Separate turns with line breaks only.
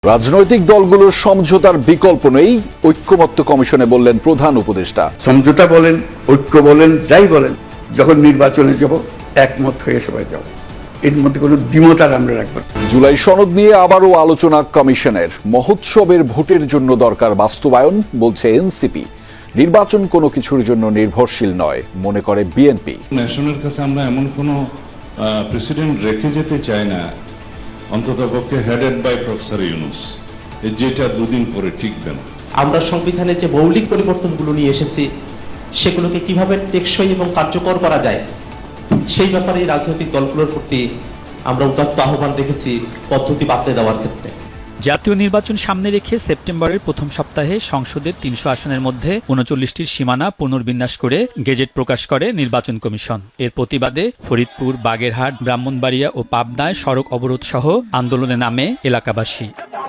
রাজনৈতিক দলগুলোর সমঝোতার বিকল্প নেই, ঐক্যমত্য কমিশনে বললেন প্রধান উপদেষ্টা।
সমঝোতা বলেন, ঐক্য বলেন, যাই বলেন, যখন নির্বাচনে যাব একমত হয়ে সবাই যাব, এর মধ্যে কোনো দ্বিমত আর আমরা রাখবো না।
জুলাই সনদ নিয়ে আবারও আলোচনা কমিশনের। মহোৎসবের ভোটের জন্য দরকার বাস্তবায়ন, বলছে এনসিপি। নির্বাচন কোনো কিছুর জন্য নির্ভরশীল নয়, মনে করে বিএনপি।
ন্যাশনের কাছে আমরা এমন কোনো প্রেসিডেন্ট রেখে যেতে চাই না, অন্ততপক্ষে হেডেড বাই প্রফেসর ইউনূস, যেটা দুদিন পরে টিকবে না।
আমরা সংবিধানে যে মৌলিক পরিবর্তনগুলো নিয়ে এসেছি সেগুলোকে কিভাবে টেকসই এবং কার্যকর করা যায় সেই ব্যাপারে রাজনৈতিক দলগুলোর প্রতি আমরা উদাত্ত আহ্বান রেখেছি পদ্ধতি বাতলে দেওয়ার ক্ষেত্রে।
জাতীয় নির্বাচন সামনে রেখে সেপ্টেম্বরের প্রথম সপ্তাহে সংসদের ৩০০ আসনের মধ্যে ৩৯টির সীমানা পুনর্বিন্যাস করে গেজেট প্রকাশ করে নির্বাচন কমিশন। এর প্রতিবাদে ফরিদপুর, বাগেরহাট, ব্রাহ্মণবাড়িয়া ও পাবনায় সড়ক অবরোধ সহ আন্দোলনে নামে এলাকাবাসী।